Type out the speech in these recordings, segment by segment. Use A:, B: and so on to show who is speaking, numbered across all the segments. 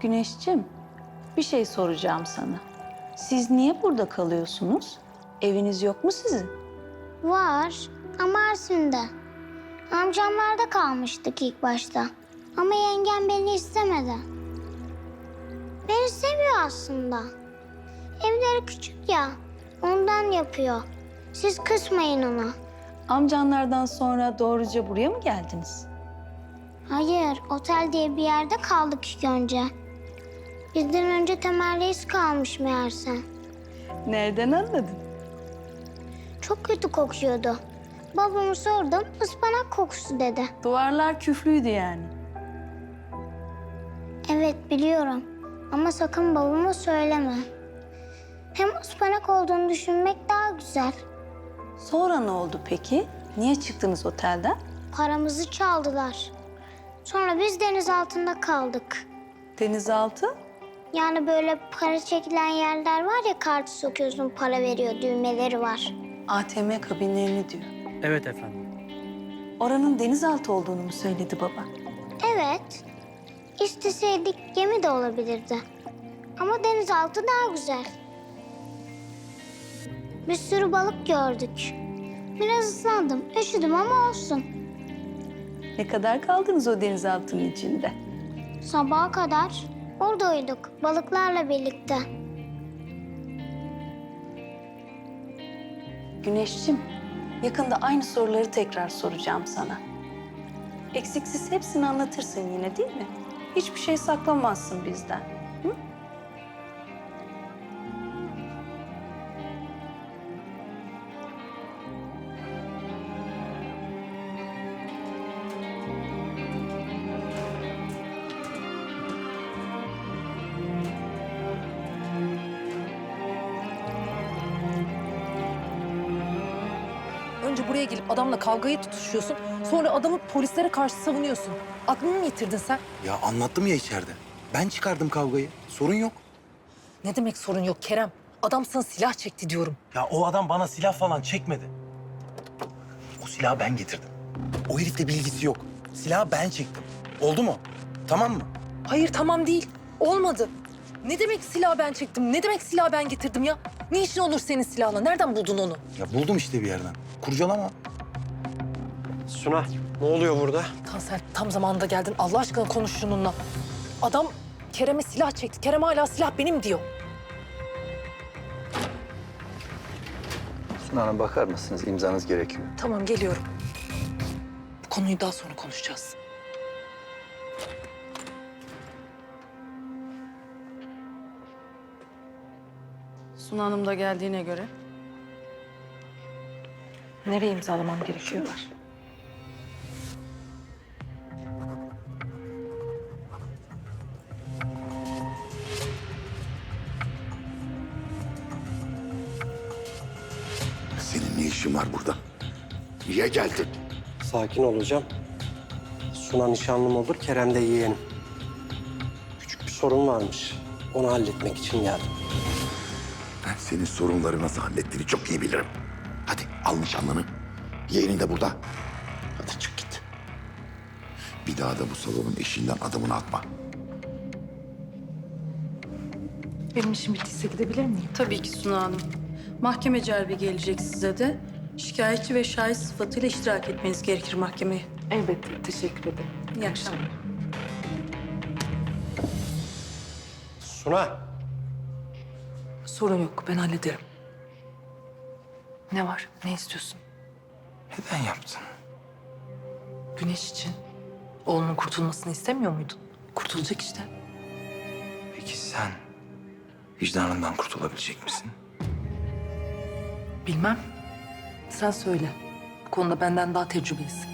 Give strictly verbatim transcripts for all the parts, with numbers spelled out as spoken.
A: Güneşciğim, bir şey soracağım sana. Siz niye burada kalıyorsunuz? Eviniz yok mu sizin?
B: Var ama Arsin'de. Amcamlarda kalmıştık ilk başta. Ama yengem beni istemedi. Beni seviyor aslında. Evleri küçük ya, ondan yapıyor. Siz kısmayın ona.
A: Amcanlardan sonra doğruca buraya mı geldiniz?
B: Hayır, otel diye bir yerde kaldık ilk önce. Bizden önce Temel Reis kalmış meğerse.
A: Nereden anladın?
B: Çok kötü kokuyordu. Babamı sordum, ıspanak kokusu dedi.
A: Duvarlar küflüydü yani.
B: Evet biliyorum ama sakın babama söyleme. Hem ıspanak olduğunu düşünmek daha güzel.
A: Sonra ne oldu peki? Niye çıktınız otelden?
B: Paramızı çaldılar. Sonra biz deniz altında kaldık.
A: Denizaltı?
B: Yani böyle para çekilen yerler var ya, kartı sokuyorsun, para veriyor, düğmeleri var.
A: A T M kabinlerini diyor.
C: Evet efendim.
A: Oranın denizaltı olduğunu mu söyledi baba?
B: Evet, isteseydik gemi de olabilirdi. Ama denizaltı daha güzel. Bir sürü balık gördük. Biraz ıslandım, üşüdüm ama olsun.
A: Ne kadar kaldınız o denizaltının içinde?
B: Sabaha kadar orada uyuduk, balıklarla birlikte.
A: Güneşciğim, yakında aynı soruları tekrar soracağım sana. Eksiksiz hepsini anlatırsın yine değil mi? Hiçbir şey saklamazsın bizden. Hı?
D: Önce buraya gelip adamla kavgayı tutuşuyorsun. Sonra adamı polislere karşı savunuyorsun. Aklını mı yitirdin sen?
E: Ya anlattım ya içeride. Ben çıkardım kavgayı. Sorun yok.
D: Ne demek sorun yok Kerem? Adam sana silah çekti diyorum.
C: Ya o adam bana silah falan çekmedi.
E: O silahı ben getirdim. O herifle bilgisi yok. Silahı ben çektim. Oldu mu? Tamam mı?
D: Hayır tamam değil. Olmadı. Ne demek silah ben çektim? Ne demek silah ben getirdim ya? Ne işin olur senin silahla? Nereden buldun onu?
E: Ya buldum işte bir yerden. Kurcalama.
C: Suna, ne oluyor burada?
D: Tansel tam zamanında geldin. Allah aşkına konuş şununla. Adam Kerem'e silah çekti. Kerem hala silah benim diyor.
F: Suna Hanım bakar mısınız? İmzanız gerekiyor.
D: Tamam geliyorum. Bu konuyu daha sonra konuşacağız.
A: Suna Hanım da geldiğine göre.
D: Nereye imzalamam gerekiyor?
G: Senin ne işin var burada? Niye geldin?
C: Sakin olacağım. Suna nişanlım olur, Kerem de yeğenim. Küçük bir sorun varmış. Onu halletmek için geldim.
G: Ben senin sorunları nasıl hallettiğini çok iyi bilirim. Hadi al nişanlını. Yeğenin de burada. Hadi çık git. Bir daha da bu salonun eşiğinden adımını atma.
D: Benim işim bittiyse gidebilir miyim?
H: Tabii ki Suna Hanım. Mahkeme celbi gelecek size de. Şikayetçi ve şahit sıfatıyla iştirak etmeniz gerekir mahkemeye.
D: Elbette. Teşekkür ederim.
H: İyi akşamlar.
C: Suna!
D: Sorun yok. Ben hallederim. Ne var? Ne istiyorsun?
E: Neden yaptın?
D: Güneş için. Oğlunun kurtulmasını istemiyor muydun? Kurtulacak işte.
E: Peki sen vicdanından kurtulabilecek misin?
D: Bilmem. Sen söyle. Bu konuda benden daha tecrübelisin.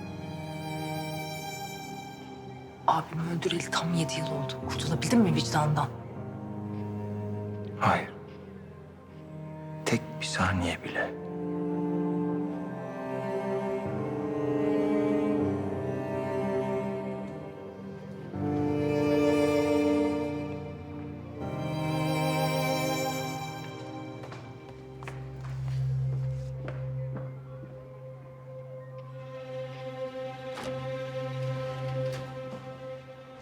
D: Abimi öldüreli tam yedi yıl oldu. Kurtulabildin mi vicdandan?
E: Hayır. Tek bir saniye bile.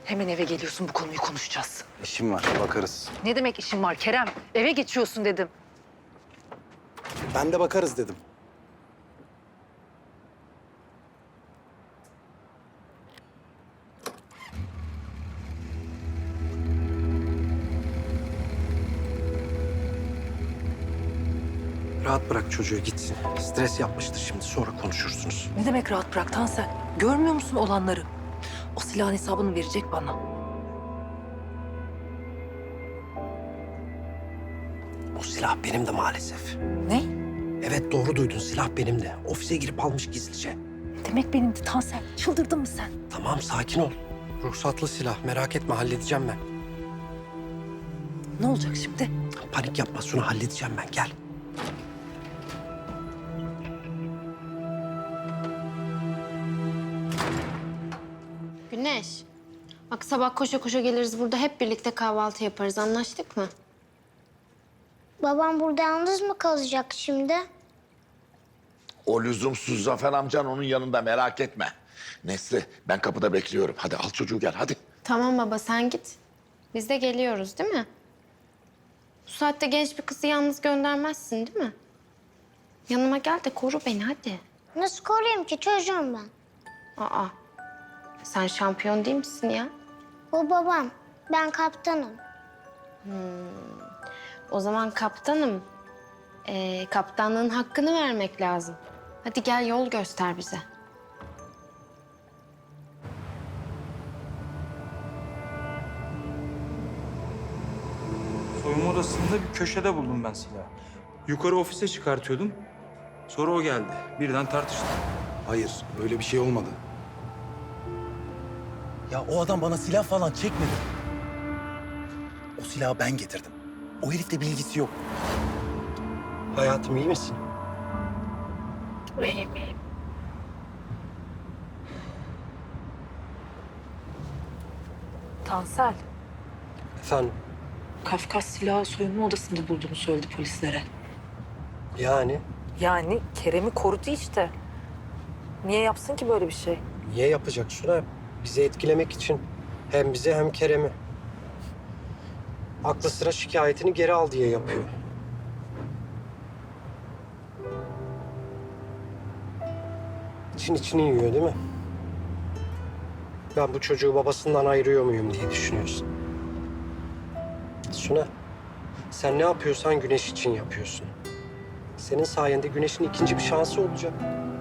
D: Hemen eve geliyorsun, bu konuyu konuşacağız.
E: İşim var, bakarız.
D: Ne demek işin var Kerem? Eve geçiyorsun dedim.
E: Ben de bakarız dedim.
C: Rahat bırak çocuğu gitsin. Stres yapmıştır şimdi, sonra konuşursunuz.
D: Ne demek rahat bırak Tansel? Görmüyor musun olanları? O silahın hesabını verecek bana.
C: O silah benim de maalesef.
D: Ne?
C: Evet, doğru duydun, silah benim de. Ofise girip almış gizlice.
D: Ne demek benim de Tansel? Çıldırdın mı sen?
C: Tamam, sakin ol. Ruhsatlı silah, merak etme, halledeceğim ben.
D: Ne olacak şimdi?
C: Panik yapma Suna, halledeceğim ben, gel.
I: Güneş, bak sabah koşa koşa geliriz burada hep birlikte kahvaltı yaparız. Anlaştık mı?
B: Babam burada yalnız mı kalacak şimdi?
G: O lüzumsuz Zafer amcan onun yanında, merak etme. Nesli, ben kapıda bekliyorum. Hadi al çocuğu gel, hadi.
I: Tamam baba sen git. Biz de geliyoruz değil mi? Bu saatte genç bir kızı yalnız göndermezsin değil mi? Yanıma gel de koru beni hadi.
B: Nasıl koruyayım ki, çocuğum ben.
I: Aa, sen şampiyon değil misin ya?
B: O babam, ben kaptanım.
I: O zaman kaptanım. Ee, kaptanlığın hakkını vermek lazım. Hadi gel yol göster bize.
J: Soyunma odasında bir köşede buldum ben silahı. Yukarı ofise çıkartıyordum. Sonra o geldi. Birden tartıştık.
E: Hayır, öyle bir şey olmadı. Ya o adam bana silah falan çekmedi. O silahı ben getirdim. O herifle bilgisi yok.
C: Hayatım, iyi misin?
D: Tansel,
C: Efendim,
D: Kafkas silahı soyunma odasında bulduğunu söyledi polislere.
C: yani
D: Yani Kerem'i korudu işte. Niye yapsın ki böyle bir şey?
C: niye yapacak Suna? Bizi etkilemek için. Hem bizi hem Kerem'i. Aklı sıra şikayetini geri al diye yapıyor. İçin içini yiyor değil mi? Ben bu çocuğu babasından ayırıyor muyum diye düşünüyorsun. Suna, sen ne yapıyorsan Güneş için yapıyorsun. Senin sayende Güneş'in ikinci bir şansı olacak.